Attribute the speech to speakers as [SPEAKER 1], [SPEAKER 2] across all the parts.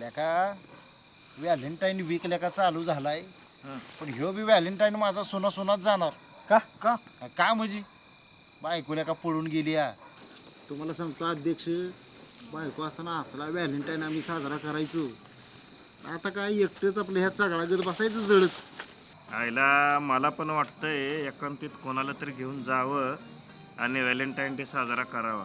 [SPEAKER 1] लेका Valentine weak लेका चालू झालाय पण ह्यो बी व्हॅलेंटाईन माझा सोना सोनाच जाणार
[SPEAKER 2] का का
[SPEAKER 1] का म्हणजे बायको लेका पळून गेली या तुम्हाला सांगतो अध्यक्ष बायको असताना असला व्हॅलेंटाईन आम्ही साजरा करायचो आता काय एकटेच आपल्या ह्या चगळागत बसायचं जळत
[SPEAKER 3] आईला मला पण वाटतंय एकांतीत कोणाला तरी घेऊन जावं आणि व्हॅलेंटाईन डे साजरा करावा.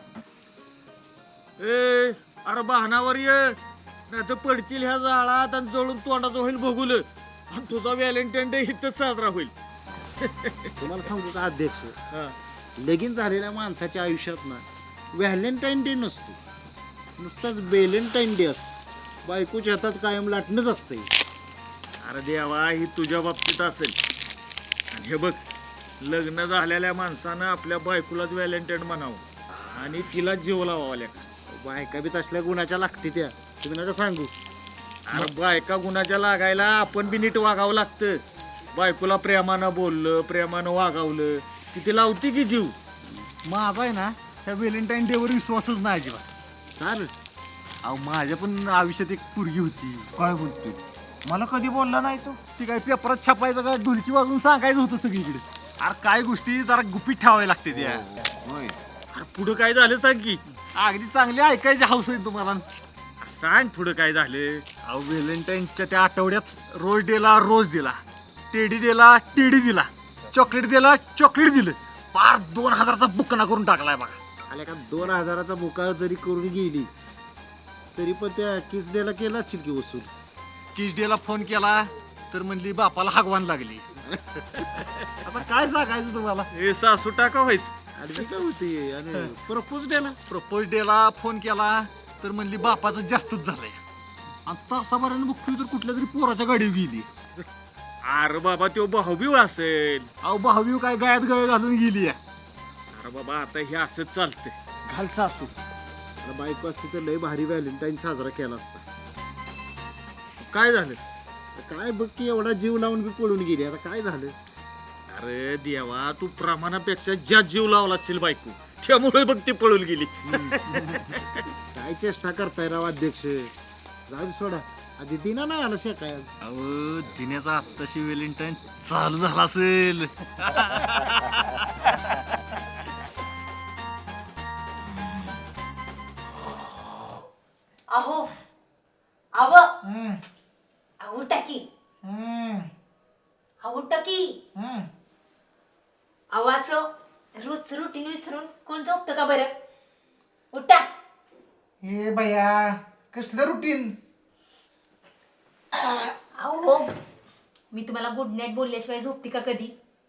[SPEAKER 2] ए अरे बहानावर ये नाही तर पडशील ह्या जाळात आणि जळून तोंडाचं होईल बघुल आणि तुझा व्हॅलेंटाईन डे इथंच साजरा होईल.
[SPEAKER 1] तुम्हाला सांगतो का अध्यक्ष लगीन झालेल्या माणसाच्या आयुष्यात ना व्हॅलेंटाईन डे नसतो नुसताच बेलेंटाईन डे असतो बायकोच्या हातात कायम लाटणंच असते.
[SPEAKER 2] अरे देवा ही तुझ्या बाबतीत असेल आणि हे बघ लग्न झालेल्या माणसानं आपल्या बायकोलाच व्हॅलेंटाईन म्हणावं आणि तिला जीव लावावा लेका.
[SPEAKER 1] बायका बी तसल्या गुणाच्या लागते त्या तुम्ही नका सांगू.
[SPEAKER 2] अरे बायका गुणाच्या लागायला आपण बी नीट वागावं लागतं. बायकोला प्रेमानं बोललं प्रेमानं वागावलं की ती लावती की जीव.
[SPEAKER 4] माझा आहे ना त्या व्हॅलेंटाईन डेवर विश्वासच नाही अजिबात.
[SPEAKER 1] चाल
[SPEAKER 4] अहो माझ्या पण आयुष्यात एक पोरगी होती. काय बोलतोय मला कधी बोलला नाही तो. ती काय पेपरात छापायचं का ढोलकी वाजवून सांगायचं होतं सगळीकडे. अरे काय गोष्टी जरा गुपित ठेवाव्या लागते त्या. होय
[SPEAKER 2] अरे पुढं काय झालं सांग की.
[SPEAKER 4] अगदी चांगली ऐकायची हौस आहे तुम्हाला.
[SPEAKER 2] सांग पुढं काय झालं.
[SPEAKER 4] अहो व्हॅलेंटाईनच्या त्या आठवड्यात रोज डेला रोज दिला, टेडी डेला टेडी दिला, चॉकलेट दिला चॉकलेट दिलं. पार 2000चा बुकना करून टाकलाय बघा.
[SPEAKER 1] आल्या का 2000चा बुका जरी करून गेली तरी पण त्या किस डेला केला चिरकी वसूल.
[SPEAKER 4] किस डेला फोन केला तर म्हणली बापाला हागवान लागली. आता काय सांगायचं तुम्हाला.
[SPEAKER 2] हे सासू टाका व्हायचं.
[SPEAKER 1] आणि काय होती आणि प्रपोज डेला
[SPEAKER 4] प्रपोज डेला फोन केला तर म्हणली बापाचं जास्तच झालंय. आणि तासाभराने बघतोय तर कुठल्या तरी पोराच्या गाडीवर गेली.
[SPEAKER 2] अरे बाबा तो भाऊबीव असेल.
[SPEAKER 4] अहो भावी काय गायात गळ घालून गेली.
[SPEAKER 2] अरे बाबा आता हे असंच चालतंय.
[SPEAKER 1] घाल सासू. आता बायको असती तर लय भारी व्हॅलेंटाईन साजरा केला असता.
[SPEAKER 2] काय झालं.
[SPEAKER 1] काय बघ की एवढा जीव लावून बी पळून गेली आता काय झालं.
[SPEAKER 2] अरे देवा तू प्रमाणापेक्षा ज्या जीव लावला असेल बायको त्यामुळे बघ ती पळून गेली.
[SPEAKER 1] काय चेष्टा करताय राव अध्यक्ष. जाऊ दे सोडा आधी दिना नाही आला शेकाय.
[SPEAKER 4] अहो दिन्याचा आत्ताशी व्हॅलेंटाईन चालू झाला असेल.
[SPEAKER 5] अहो आव आऊ टाकी आऊ टाकी आवाज रोज रुटीन विसरून कोण झोपतं का बरं. उठा.
[SPEAKER 6] हे भैया कसलं रुटीन.
[SPEAKER 5] अहो मी तुम्हाला गुड नाईट बोलल्याशिवाय झोपते का कधी.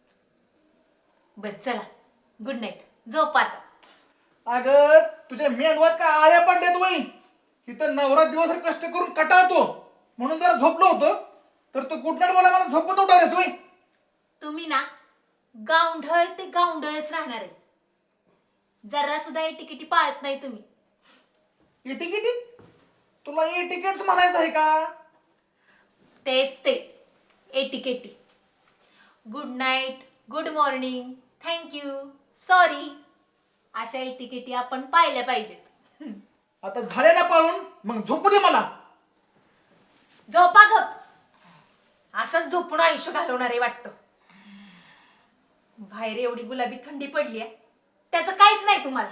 [SPEAKER 5] बर चला गुड नाईट झोप आता.
[SPEAKER 6] अगं तुझ्या मेंदवात काय आळ्या पडल्यात वय. इथं नवरा दिवसभर कष्ट करून कटाळतो म्हणून जरा झोपलो होतो तर तू गुड नाईट बोला मला झोपत उठावलेस वय.
[SPEAKER 5] तुम्ही ना गावंढळ ते गावंढळच राहणार आहे. जरा सुद्धा एटिकेटी पाळत नाही तुम्ही.
[SPEAKER 6] एटिकेटी तुला एटिकेट्स म्हणायचं आहे का.
[SPEAKER 5] तेच ते एटिकेटी. Good night good morning thank you sorry अशा एटिकेटी आपण पाहिल्या पाहिजेत.
[SPEAKER 6] आता झाले ना पाळून मग झोपू दे मला.
[SPEAKER 5] झोपा गप. असंच झोपून आयुष्य घालवणार आहे वाटतं. बाहेर एवढी गुलाबी थंडी पडली आहे त्याचं काहीच नाही तुम्हाला.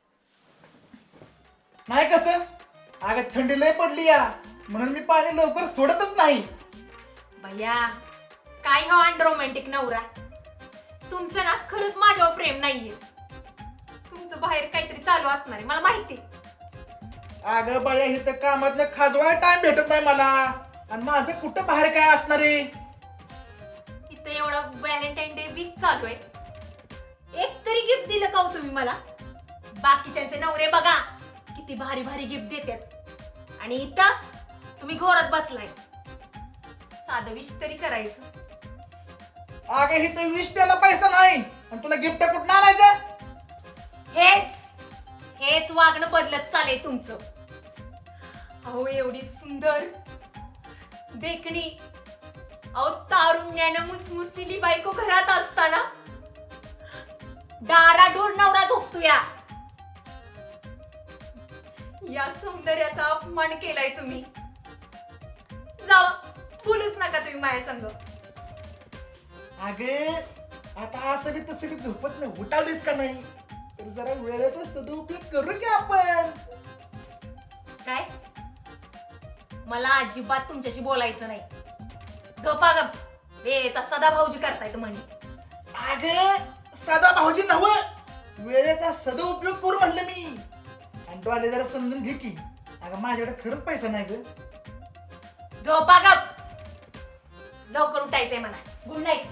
[SPEAKER 6] नाही कसं अगं थंडी लय पडली या म्हणून मी पाणी लवकर सोडतच नाही.
[SPEAKER 5] भैया काय हा अनरोमॅन्टिक नवरा. तुमचं ना खरंच माझ्यावर प्रेम नाहीये. तुमचं बाहेर काहीतरी चालू असणार आहे मला माहिती.
[SPEAKER 6] अगं बाया इथं कामातनं खाजवायला टाइम भेटत नाही मला आणि माझं कुठं बाहेर काय असणार आहे.
[SPEAKER 5] इथे एवढा व्हॅलेंटाईन डे वीक चालू आहे. एक तरी गिफ्ट दिलं का हो तुम्ही मला. बाकीच्यांचे नवरे बघा किती भारी भारी गिफ्ट देतात आणि इथं तुम्ही घोरात बसलाय. साधं विश तरी करायचं.
[SPEAKER 6] अगं इथं 20 प्याला पैसा नाही आणि तुला गिफ्ट कुठं आणायचं.
[SPEAKER 5] हेच वागणं बदलत चालेल तुमचं. अहो एवढी सुंदर देखणी अहो तारुण्यानं मुसमुसलेली बायको घरात असताना डाराडोर नवरा झोपतो या सौंदर्याचा अपमान केलाय तुम्ही. जावा, बोलूच नका तुम्ही माझ्या संग.
[SPEAKER 6] अगे आता असं बी तसं बी झोपत नाही, उठावलीस का नाही? तर जरा वेळेचा सदुपयोग करू की आपण.
[SPEAKER 5] काय? मला अजिबात तुमच्याशी बोलायचं नाही. झोपा गप. वेळेचा सदा भाऊजी करतायत म्हणे.
[SPEAKER 6] अगे सदा भाऊजी नव, वेळेचा सदुपयोग करू म्हणलं मी. आणि तो आले जरा समजून घे की. अगं माझ्याकडे खरंच पैसा नाही ग.
[SPEAKER 5] झोपा गप. लवकर उठायचंय म्हणा. Good night.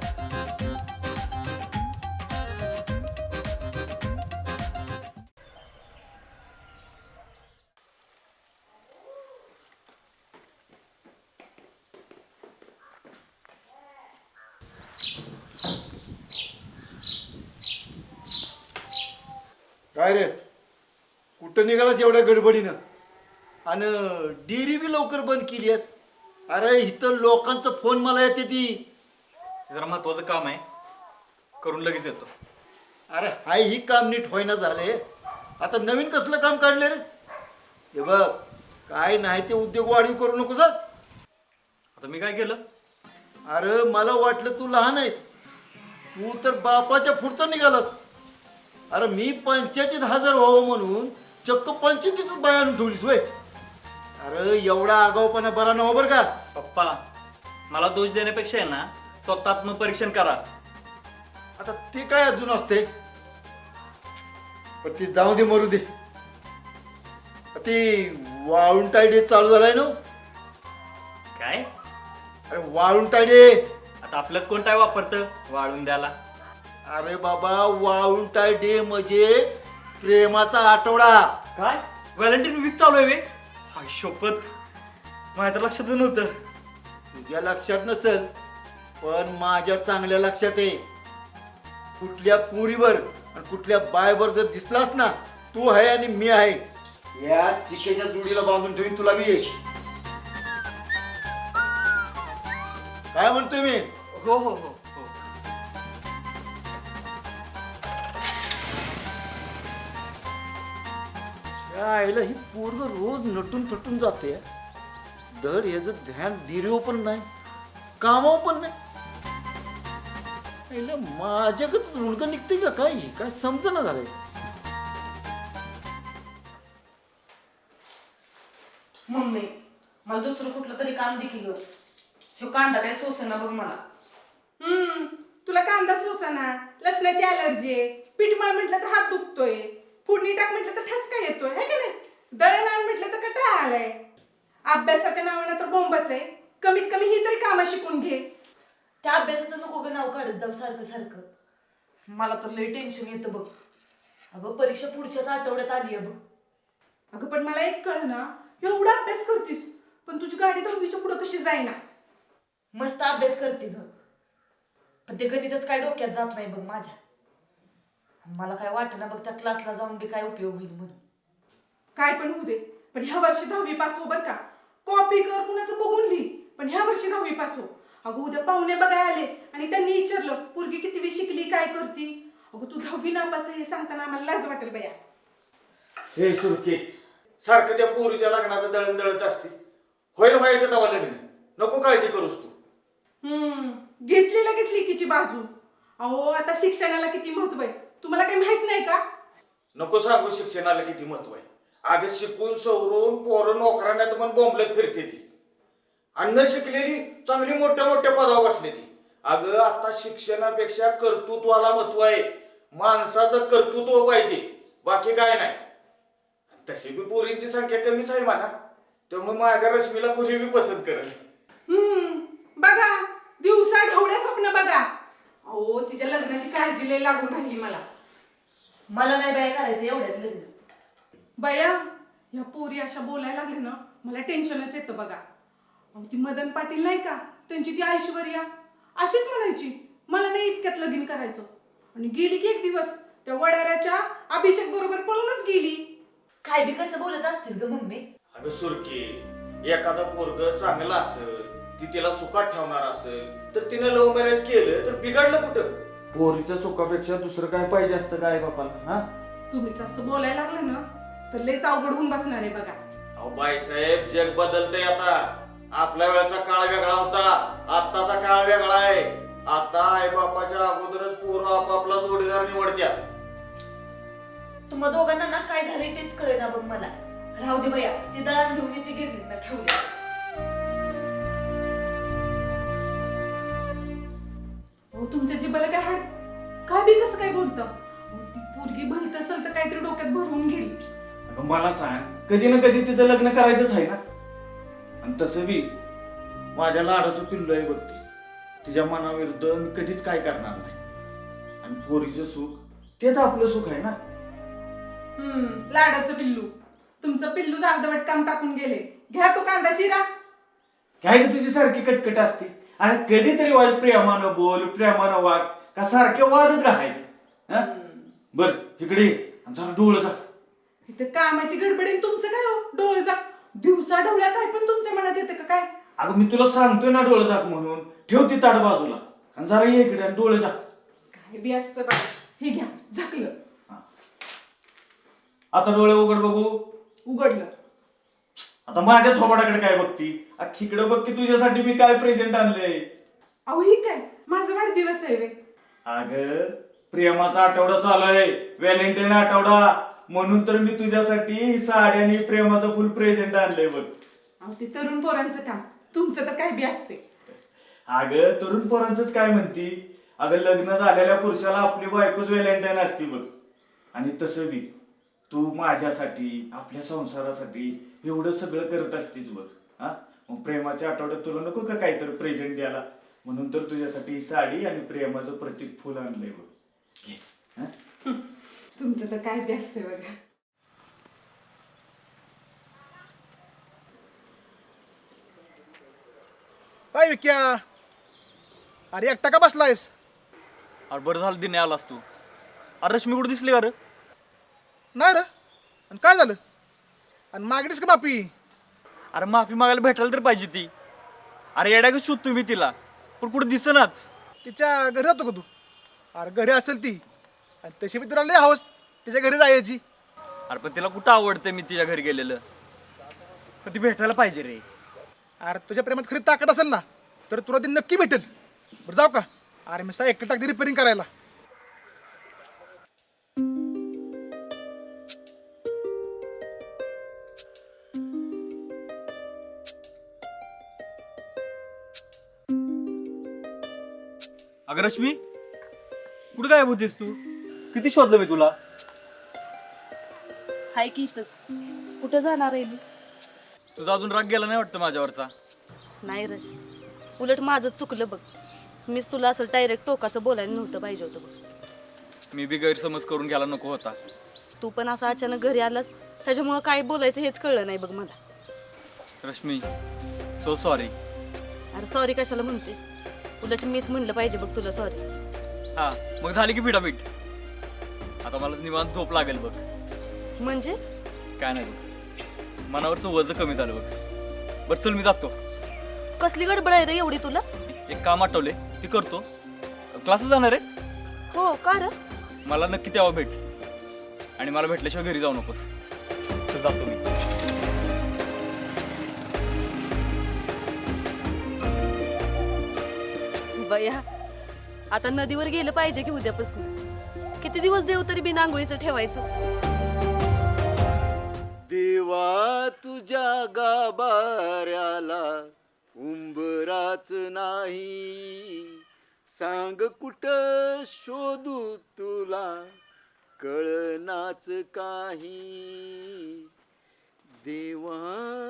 [SPEAKER 1] काय रे कुठं निघालास एवढ्या गडबडीनं? आणि डेअरी बी लवकर बंद केली आहेस. अरे इथं लोकांचं फोन मला येते ती.
[SPEAKER 7] जरा महत्वाचं काम आहे, करून लगेच येतो.
[SPEAKER 1] अरे हाय ही काम नीट होईना झाले. आता नवीन कसलं काम काढले रे? हे बघ काय नाही ते उद्योग वाढीव करू नको सर.
[SPEAKER 7] आता मी काय केलं?
[SPEAKER 1] अरे मला वाटलं तू लहान आहेस, तू तर बापाच्या पुढचा निघालास. अरे मी पंचायतीत हजर व्हावं म्हणून चक्क पंचायतीतच बाय आणून ठेवलीस होय. अरे एवढा आगाऊपणा बरा नव्हा बरं का.
[SPEAKER 7] पप्पा, मला दोष देण्यापेक्षा आहे ना स्वतः आत्मपरीक्षण करा.
[SPEAKER 1] आता ते काय अजून असते, पण ती जाऊ दे मरू दे. ती वाळुंटाय डे चालू झालाय ना.
[SPEAKER 7] काय?
[SPEAKER 1] अरे वाळुंटाय डे.
[SPEAKER 7] आता आपल्यात कोण काय वापरतं वाळून द्याला?
[SPEAKER 1] अरे बाबा वाळुंटाय डे म्हणजे प्रेमाचा आठवडा.
[SPEAKER 7] काय व्हॅलेंटाईन वीक चालू आहे वे? हाय शपथ, माझ्या तर लक्षात नव्हतं.
[SPEAKER 1] तुझ्या लक्षात नसेल पण माझ्या चांगल्या लक्षात आहे. कुठल्या पुरीवर आणि कुठल्या बायवर जर दिसलास ना, तू आहे आणि मी आहे, या चिकेच्या जोडीला बांधून ठेवीन तुला बी. काय म्हणतोय मी?
[SPEAKER 7] हो हो हो हो.
[SPEAKER 1] आईला ही पोरग रोज नटून थटून जाते. धड याचं ध्यान डिरीव पण नाही, कामाव पण नाही. आईला माझ्याकच रुणग निघते का काय? काय समजना झालंय.
[SPEAKER 8] मम्मी, मला दुसरं कुठलं तरी काम दे की ग. ह्यो कांदा काय सोसेना बघ मला.
[SPEAKER 9] तुला कांदा सोसाना, लसणाची अलर्जी आहे, पीठ मळ म्हटलं तर हात दुखतोय, फोडणी टाक म्हटलं तर ठसका येतोय, है का नाही? दळण आण म्हटलं तर कटाळा आलाय. अभ्यासाच्या नावानं तर बोंबच आहे. कमीत कमी ही तरी कामं शिकून घे.
[SPEAKER 8] त्या अभ्यासाचं नको ग नाव काढत जाऊ सारखं सारखं. मला तर लय टेन्शन येतं बघ. अगं परीक्षा पुढच्याच आठवड्यात आली आहे बघ.
[SPEAKER 9] अगं पण मला एक कळ ना, एवढा अभ्यास करतीस पण तुझी गाडी 10वीच्या पुढे कशी जाईना?
[SPEAKER 8] मस्त अभ्यास करते ग, पण ते गणितच काय डोक्यात जात नाही बघ माझ्या. मला काय वाटत ना बघ त्या क्लासला जाऊन बी काय उपयोग होईल म्हणून.
[SPEAKER 9] काय पण होऊ दे, पण ह्या वर्षी 10वी पास हो बर का. कॉपी कर कुणाचं बघून लिही, पण ह्या वर्षी 10वी पास हो. अगं उद्या पाहुणे बघायला आले आणि त्यांनी विचारलं पोरगी कितवी शिकली, काय करती, अगं तू 10वी नापास आहे हे सांगताना आम्हाला लाज वाटेल बया.
[SPEAKER 2] हे सुरके सारखं त्या पोरीच्या लग्नाचं दळण दळत असते. होईल व्हायचं तेव्हा लग्न, नको काळजी करूस तू.
[SPEAKER 9] घेतली लगेच लेकीची बाजू. अहो आता शिक्षणाला किती महत्व आहे तुम्हाला काही माहित नाही का?
[SPEAKER 2] नको सांगू शिक्षणाला किती महत्व आहे. अगं शिकून सवरून पोरं नोकरांना पण बोंबलत फिरते ती, आणि न शिकलेली चांगली मोठ्या मोठ्या पदावर बसले ती. अगं आता शिक्षणापेक्षा कर्तृत्वाला महत्व आहे. माणसाचं कर्तृत्व पाहिजे, बाकी काय नाही. तशी बी पोरींची संख्या कमीच आहे म्हणा, त्यामुळे माझ्या रश्मीला कोणी बी पसंत करेल.
[SPEAKER 9] बघा दिवसा ढवळ्या स्वप्न बघा. अहो तिच्या लग्नाची काळजी लय लागून राहिली मला.
[SPEAKER 8] मला नाही बाय करायचं एवढ्यात लग्न.
[SPEAKER 9] बया ह्या पोरी अशा बोलायला लागले ना, मला टेन्शनच येतं बघा. अहो ती मदन पाटील नाही का, त्यांची ती ऐश्वर्या अशीच म्हणायची मला नाही इतक्यात लगीन करायचं, आणि गेली की एक दिवस त्या वडाऱ्याच्या अभिषेक बरोबर पळूनच गेली.
[SPEAKER 8] काय बी कसं बोलत असतील ग मम्मी.
[SPEAKER 2] अगं सुरके, एखादा पोरग चांगला असेल, ती तिला सुखात ठेवणार असेल तर तिने लव्ह मॅरेज केलं तर बिघडलं कुठं? पोरीच्या सुखापेक्षा दुसरं काय पाहिजे असतं काय बापाला? हा
[SPEAKER 9] तुम्हीच असं बोलायला लागलं ना तर लयच अवघड होऊन बसणार आहे बघा.
[SPEAKER 2] अहो बाईसाहेब, जग बदलतंय आता. आपल्या वेळेचा काळ वेगळा होता, आत्ताचा काळ वेगळा आहे. आता आई बापाच्या अगोदरच पोरं आपापला जोडीदार निवडत्यात.
[SPEAKER 8] तुम्हा दोघांना ना काय झालंय तेच कळे ना बघ मला. राहू दे बया, ती दळण घेऊन ती गिरणीत ना ठेवली.
[SPEAKER 9] हो तुमच्या जिबाला काय हाड काय बी कसं काय बोलतं ती पोरगी भलत असेल तर काहीतरी डोक्यात भरवून गेली.
[SPEAKER 2] अगं मला सांग, कधी ना कधी तिचं लग्न करायचंच आहे ना. आणि तसं बी माझ्या लाडाचं पिल्लू आहे बघ ती. तिच्या मनाविरुद्ध मी कधीच काय करणार नाही. आणि पोरीचं सुख तेच आपलं सुख आहे ना.
[SPEAKER 9] लाडाचं पिल्लू तुमचं पिल्लू अर्धवट काम टाकून गेले. घ्या तो कांदा शिरा.
[SPEAKER 2] काय ग तुझी सारखी कटकट असते. आणि कधीतरी वाज प्रेमानं बोल, प्रेमानं वाग, का सारखे वादच घालायचं. बर इकडे ये. आणि जरा डोळं जा.
[SPEAKER 9] इथं कामाची गडबडीन तुमचं काय हो डोळे जा दिवसा डोळ्या काय पण तुमच्या मनात येतं का काय.
[SPEAKER 2] अगं मी तुला सांगतोय ना डोळं जात म्हणून. ठेव ती ताट बाजूला आणि जरा ये इकडे आणि डोळे जा.
[SPEAKER 9] काय बी असतं बा. हे घ्या झाकलं.
[SPEAKER 2] आता डोळे उघड बघू.
[SPEAKER 9] उघडलं.
[SPEAKER 2] आता माझ्या थोबाडाकडे काय बघती. अख्खीकडे बघ की तुझ्यासाठी मी काय प्रेझेंट आणलंय.
[SPEAKER 9] अहो ही काय माझा वाढदिवस आहे वे.
[SPEAKER 2] अगं प्रेमाचा आठवडा चालू आहे, व्हॅलेंटाईन आठवडा. म्हणून तर मी तुझ्यासाठी ही साडी आणि प्रेमाचं फुल प्रेझेंट आणलंय बघ.
[SPEAKER 9] अहो ते तरुण पोरांचं काम तुमचं तर काय बी असते.
[SPEAKER 2] अगं तरुण पोरांचंच काय म्हणती. अगं लग्न झालेल्या पुरुषाला आपली बायकोच व्हॅलेंटाईन असते बघ. आणि तसं बी तू माझ्यासाठी, आपल्या संसारासाठी एवढं सगळं करत असतीस बघ. हा मग प्रेमाच्या आठवड्यात तुला नको का काहीतरी प्रेझेंट द्यायला. म्हणून तर तुझ्यासाठी ही साडी आणि प्रेमाचं प्रतीक फुल आणलंय बघ. घे. हा?
[SPEAKER 9] तुमचं तर काय बी असते बघा.
[SPEAKER 6] काय विक्या अरे एकटा का बसलायस.
[SPEAKER 7] अरे बरं झालं दिने आलास तू. अरे रश्मी कुठे दिसली का रे?
[SPEAKER 6] नाही रे. आणि काय झालं आणि मागणीस का बापी.
[SPEAKER 7] अरे माफी मागायला भेटायला तर पाहिजे ती. अरे येड्या का शोधतो मी तिला पण कुठं दिसेनाच.
[SPEAKER 6] तिच्या घरी जातो का तू. अरे घरी असेल ती आणि तशी मी तुला लय हवस तिच्या घरी जायची.
[SPEAKER 7] अरे पण तिला कुठं आवडतं मी तिच्या घरी गेलेलं. पण ती भेटायला पाहिजे रे.
[SPEAKER 6] अरे तुझ्या प्रेमात खरी ताकद असेल ना तर तुला ती नक्की भेटेल. बरं जाऊ का. अरे मी एकटं टाकते रिपेअरिंग करायला.
[SPEAKER 7] अगं रश्मी कुठं गायब होतीस तू? किती शोधलं मी तुला.
[SPEAKER 8] हाय की इथंच. कुठं जाणार आहे मी?
[SPEAKER 7] तुझा अजून राग गेला नाही वाटतं माझ्यावरचा.
[SPEAKER 8] नाही रे, उलट माझं चुकलं बघ. मीच तुला असं डायरेक्ट टोकाचं बोलायला नव्हतं पाहिजे होतं बघ.
[SPEAKER 7] मी बी गैरसमज करून घ्यायला नको होता.
[SPEAKER 8] तू पण असं अचानक घरी आलास त्याच्यामुळं काय बोलायचं हेच कळलं नाही बघ मला.
[SPEAKER 7] Rashmi so sorry.
[SPEAKER 8] अरे सॉरी कशाला म्हणतोयस. उलट मीच म्हणलं पाहिजे बघ तुला सॉरी.
[SPEAKER 7] हा मग झाली की पिठापीठ. आता मला निवांत झोप लागेल बघ.
[SPEAKER 8] म्हणजे
[SPEAKER 7] काय नाही बघ, मनावरचं वजन कमी झालं बघ. बरं चल मी जातो.
[SPEAKER 8] कसली गडबड आहे रे एवढी तुला.
[SPEAKER 7] एक काम आठवले ते करतो. क्लासला जाणार आहेस?
[SPEAKER 8] हो का रे.
[SPEAKER 7] मला नक्की तेव्हा भेट. आणि मला भेटल्याशिवाय घरी जाऊ नकोस. चल जातो मी.
[SPEAKER 8] बया आता नदीवर गेलं पाहिजे की उद्यापासून. किती दिवस देव तरी बिना आंघोळीचं ठेवायचं.
[SPEAKER 1] देवा तुझ्या गाभाऱ्याला उंबराच नाही. सांग कुठं शोधू तुला कळनाच काही. देवा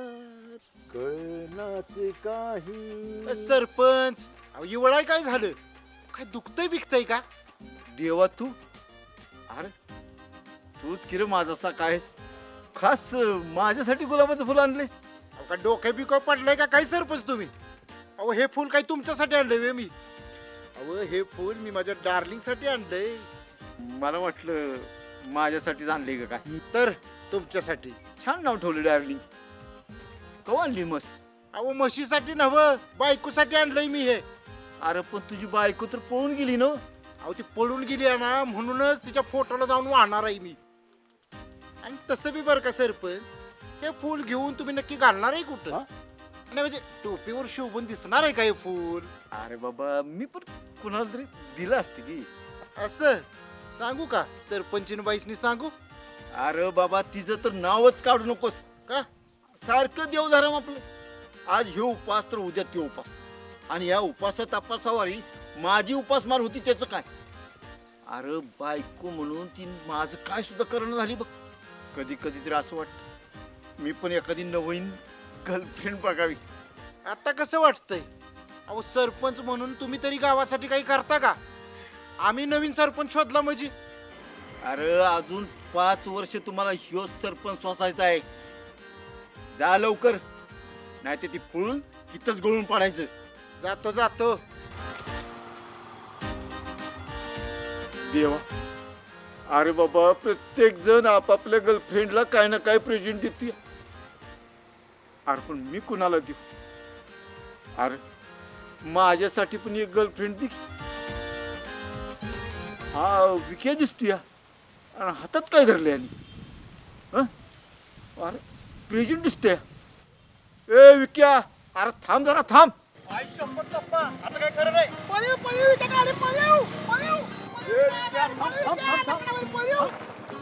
[SPEAKER 1] कळनाच काही. सरपंच एवढा काय झालं. काय दुखतंय बिकतंय का. देवा तू अरे तूच किरे माझा सकाळीस खास माझ्यासाठी गुलाबाचं फुल आणलंयस. का डोक्या बिका पडलंय का काय सरपंच तुम्ही. अहो हे फुल काय तुमच्यासाठी आणलंय मी. अहो हे फुल मी माझ्या डार्लिंगसाठी आणलंय. मला वाटलं माझ्यासाठीच आणलंय का काय. तर तुमच्यासाठी. छान नाव ठेवलं डार्लिंग. कवा आणली म्हस. अहो म्हशीसाठी नव्ह बायकोसाठी आणलंय मी हे. अरे पण तुझी बायको तर पळून गेली ना. अहो ती पळून गेली आहे ना म्हणूनच तिच्या फोटोला जाऊन वाहणार आहे मी. आणि तसं बी बरं का सरपंच हे फुल घेऊन तुम्ही नक्की घालणार आहे कुठं. नाही म्हणजे टोपीवर शोभून दिसणार आहे काय फुल?
[SPEAKER 4] अरे बाबा मी पण कुणाला तरी दिलं असते की.
[SPEAKER 1] असं सांगू का सरपंचीन बाईसनी सांगू?
[SPEAKER 10] अरे बाबा तिचं तर नावच काढू नकोस.
[SPEAKER 1] का?
[SPEAKER 10] सारखं देवधर्म आपलं. आज हे उपास तर उद्या ते उपास. आणि या उपासा तपासावारी माझी उपासमार होती त्याचं काय? अरे बायको म्हणून ती माझं काय सुद्धा करणं झाली बघ. कधी कधी तरी असं वाटतं मी पण एखादी नवीन गर्लफ्रेंड बघावी.
[SPEAKER 1] आता कसं वाटतंय? अहो सरपंच म्हणून तुम्ही तरी गावासाठी काही करता का? आम्ही नवीन सरपंच शोधला म्हणजे.
[SPEAKER 10] अरे अजून 5 वर्ष तुम्हाला ह्यो सरपंच सोसायचा आहे. जा लवकर, नाही तर ती पळून इथंच गळून पाडायचं.
[SPEAKER 1] जातो जातो.
[SPEAKER 10] देवा, अरे बाबा प्रत्येक जण आपापल्या गर्लफ्रेंडला काय ना काय प्रेझेंट देते. अरे पण मी कुणाला देऊ? अरे माझ्यासाठी पण एक गर्लफ्रेंड दे. हा विक्या दिसतोय आणि हातात काय धरले आणि अरे प्रेझेंट दिसतोय. ए विक्या, अरे थांब जरा थांब.
[SPEAKER 7] आई शपथ पप्पा आता काय खरं नाही.
[SPEAKER 10] ए, विक्या, थांब, थांब, थांब.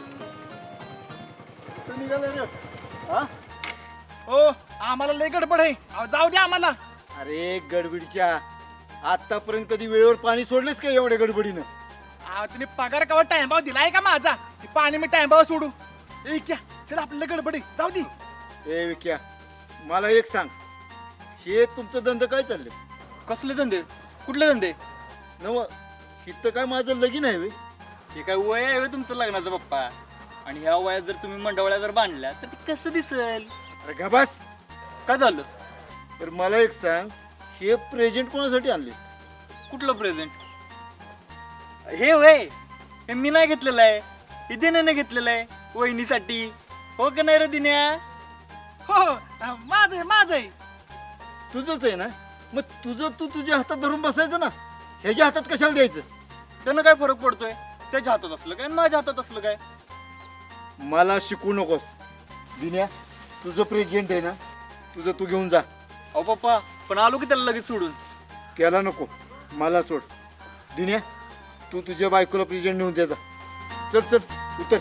[SPEAKER 10] कुठं निघाला रे? हा?
[SPEAKER 6] हो आम्हाला लय गडबड आहे. अहो, जाऊ द्या आम्हाला.
[SPEAKER 10] अरे गडबडीच्या आतापर्यंत कधी वेळेवर पाणी सोडलेस का एवढ्या गडबडीनं?
[SPEAKER 6] अहो, तुम्ही पगार कवा टाइमभाव दिलाय का माझा? ते पाणी मी टाइमभाव सोडू. ए क्या चल आपल्याला गडबड आहे, जाऊ दे.
[SPEAKER 10] ए विक्या, मला एक सांग, हे तुमचं धंदा काय चालले?
[SPEAKER 7] कसले धंदे? कुठले धंदे?
[SPEAKER 10] नव इथं काय माझं लगीन आहे व्हय?
[SPEAKER 7] हे काय वय आहे व्हय तुमचं लग्नाचं पप्पा? आणि ह्या वयात जर तुम्ही मंडवळ्या जर बांधल्या तर ते कसं दिसेल?
[SPEAKER 10] अरे गबास.
[SPEAKER 7] काय झालं?
[SPEAKER 10] तर मला एक सांग, हे प्रेझेंट कोणासाठी आणले?
[SPEAKER 7] कुठलं प्रेझेंट? हे वय हे मी नाही घेतलेलं आहे, हे दिन्याने घेतलेलं आहे वहिनीसाठी. हो का नाही रे दिन्या?
[SPEAKER 6] हो माझं आहे.
[SPEAKER 10] तुझंच आहे ना? मग तुझं तू तुझ्या हातात धरून बसायचं ना, ह्याच्या हातात कशाला द्यायचं?
[SPEAKER 7] त्यानं काय फरक पडतोय? त्याच्या हातात असलं काय आणि माझ्या हातात असलं काय?
[SPEAKER 10] मला शिकू नकोस. दिन्या, तुझं प्रेझेंट आहे ना, तुझं तू घेऊन जा.
[SPEAKER 7] अहो पप्पा पण आलो की त्याला लगेच सोडून.
[SPEAKER 10] त्याला नको, मला सोड. दिन्या, तू तुझ्या बायकोला प्रेझेंट नेऊन द्यायचा. चल चल उतर.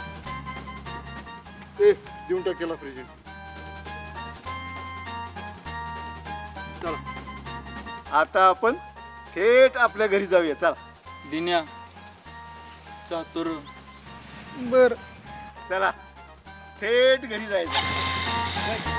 [SPEAKER 10] ए देऊन टाक त्याला प्रेझेंट. चला आता आपण थेट आपल्या घरी जाऊया. चला
[SPEAKER 7] दिन्या चातुर.
[SPEAKER 6] बर
[SPEAKER 10] चला थेट घरी जायचं.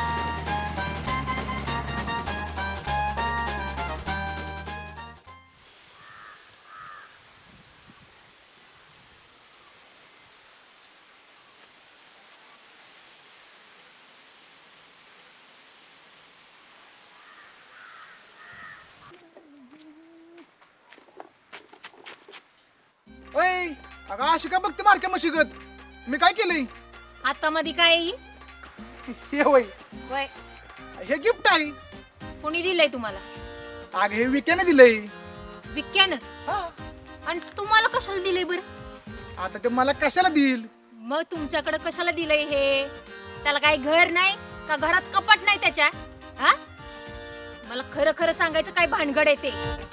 [SPEAKER 6] ओय अगं अशी का बघते मारक्या मशिगत? मी काय केलंय?
[SPEAKER 5] आता मध्ये काय आहे?
[SPEAKER 6] हे होय,
[SPEAKER 5] वय
[SPEAKER 6] हे गिफ्ट आहे.
[SPEAKER 5] कोणी दिलंय तुम्हाला?
[SPEAKER 6] अगं हे विक्याने दिलंय.
[SPEAKER 5] विक्यानं?
[SPEAKER 6] हा,
[SPEAKER 5] आणि तुम्हाला कशाला दिलंय बरं?
[SPEAKER 6] आता ते मला कशाला देईल?
[SPEAKER 5] मग तुमच्याकडे कशाला दिलंय हे? त्याला काही घर नाही का? घरात कपाट नाही त्याच्या? हा? मला खरं खरं सांगायचं काय भानगड आहे ते?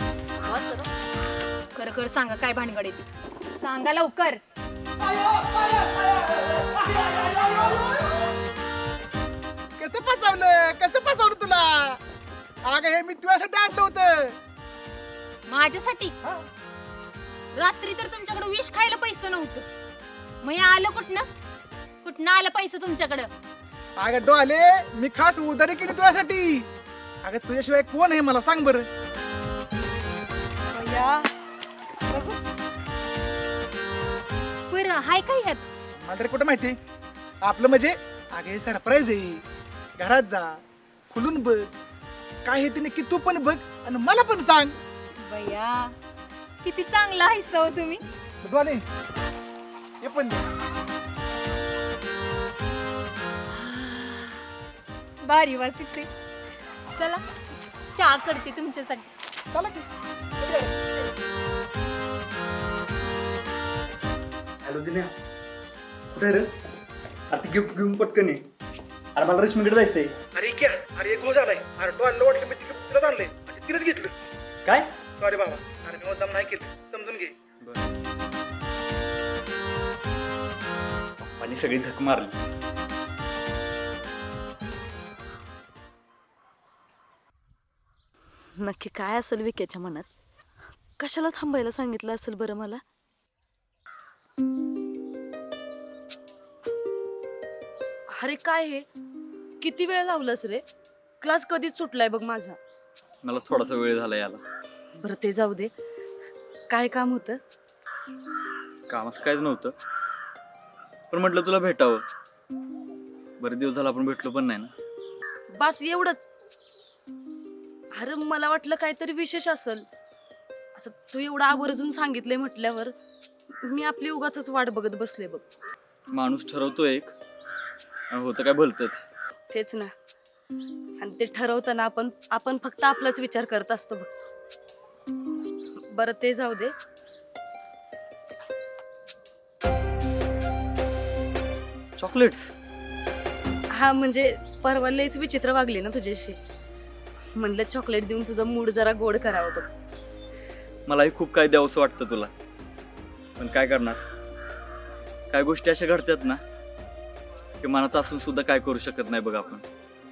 [SPEAKER 5] खरं खरं सांगा काय भानगड आहे ते? सांगा लवकर.
[SPEAKER 6] कसं फसवलं तुला? अगं हे मी तुझ्यासाठी आणलं होतं.
[SPEAKER 5] माझ्यासाठी? रात्री तर तुमच्याकडे विष खायला पैसे नव्हतं, मग हे आलं कुठनं आलं पैसे तुमच्याकडं?
[SPEAKER 6] अगं डोले, मी खास उधारी केली तुझ्यासाठी. अगं तुझ्याशिवाय कोण आहे मला सांग बरं?
[SPEAKER 5] बरं हाय काय ह्यात?
[SPEAKER 6] मला तरी कुठं माहिती. आपलं म्हणजे अगे सरप्राईज आहे. घरात जा, खुलून बघ काय हे ते नक्की तू पण बघ आणि मला पण सांग.
[SPEAKER 5] बया किती चांगला आहे सव तुम्ही.
[SPEAKER 6] डोले हे पण दे.
[SPEAKER 5] भारी वासिते. चला चहा करते तुमच्यासाठी.
[SPEAKER 6] चला की.
[SPEAKER 7] हॅलो दिन्या, कुठे रे? आता गिफ्ट घेऊन पटकन ये. अरे मला रश्मीकडे जायचंय.
[SPEAKER 6] अरे क्या अरे एक झालाय. अरे तो आणलं वाटलं मी तिलाच आणलंय आणि तिलाच घेतलं.
[SPEAKER 7] काय?
[SPEAKER 6] सॉरी बाबा. अरे मी मुद्दाम नाही केलं, समजून घे.
[SPEAKER 7] पप्पानी सगळी झक मारली.
[SPEAKER 8] नक्की काय असेल विक्याच्या मनात? कशाला थांबायला सांगितलं असेल बरं मला? अरे काय हे, किती वेळ लावलास रे? क्लास कधीच सुटलाय बघ माझा.
[SPEAKER 7] मला थोडासा वेळ झाला याला.
[SPEAKER 8] बरं ते जाऊ दे, काय काम होतं?
[SPEAKER 7] काम असं काहीच नव्हतं, पण म्हटलं तुला भेटावं. बरे दिवस झाला आपण भेटलो पण नाही ना.
[SPEAKER 8] बस एवढंच? अरे मला वाटलं काहीतरी विशेष असेल. आता तू एवढं आवर्जून सांगितलंय म्हटल्यावर मी आपली उगाच वाट बघत बसले बघ.
[SPEAKER 7] माणूस ठरवतो एक आणि होतं काय भलतंच.
[SPEAKER 8] तेच ना, आणि ते ठरवताना आपण फक्त आपलाच विचार करत असतो बघ. बरं ते जाऊ दे.
[SPEAKER 7] चॉकलेट्स?
[SPEAKER 8] हा म्हणजे परवा लयच विचित्र वागले ना तुझ्याशी, म्हणलं चॉकलेट देऊन तुझा मूड जरा गोड करावं बघ.
[SPEAKER 7] मलाही खूप काय द्यावंसं वाटतं तुला, पण काय करणार. काय गोष्टी अशा घडतात ना की मनात असून सुद्धा काय करू शकत नाही बघ आपण.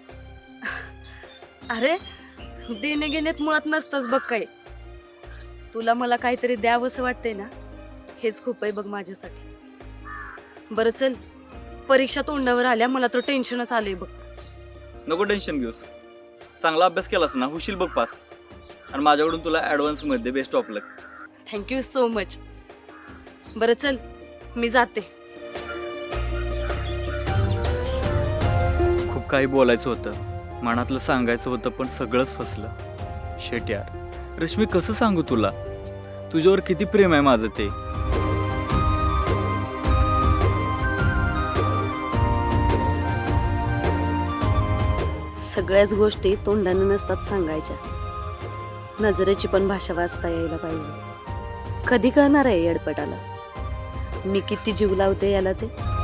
[SPEAKER 8] अरे देणे घेण्यात मुळात नसतंच बघ काय. तुला मला काहीतरी द्यावंसं वाटतंय ना, हेच खूप आहे बघ माझ्यासाठी. बरं चल, परीक्षा तोंडावर आल्या, मला तर टेन्शनच आलंय बघ.
[SPEAKER 7] नको टेन्शन घेऊस, चांगला अभ्यास केलास ना होशील बघ पास. आणि माझ्याकडून तुला ॲडव्हान्समध्ये best of luck.
[SPEAKER 8] Thank you so much. बरं चल मी जाते.
[SPEAKER 7] खूप काही बोलायचं होतं, मनातलं सांगायचं होतं, पण सगळंच फसलं. शेट यार, रश्मी कसं सांगू तुला, तुझ्यावर किती प्रेम आहे माझं ते.
[SPEAKER 8] सगळ्याच गोष्टी तोंडाने नसतात सांगायच्या, नजरेची पण भाषा वाचता यायला पाहिजे. कधी कळणार आहे येडपटाला मी किती जीव लावते याला ते?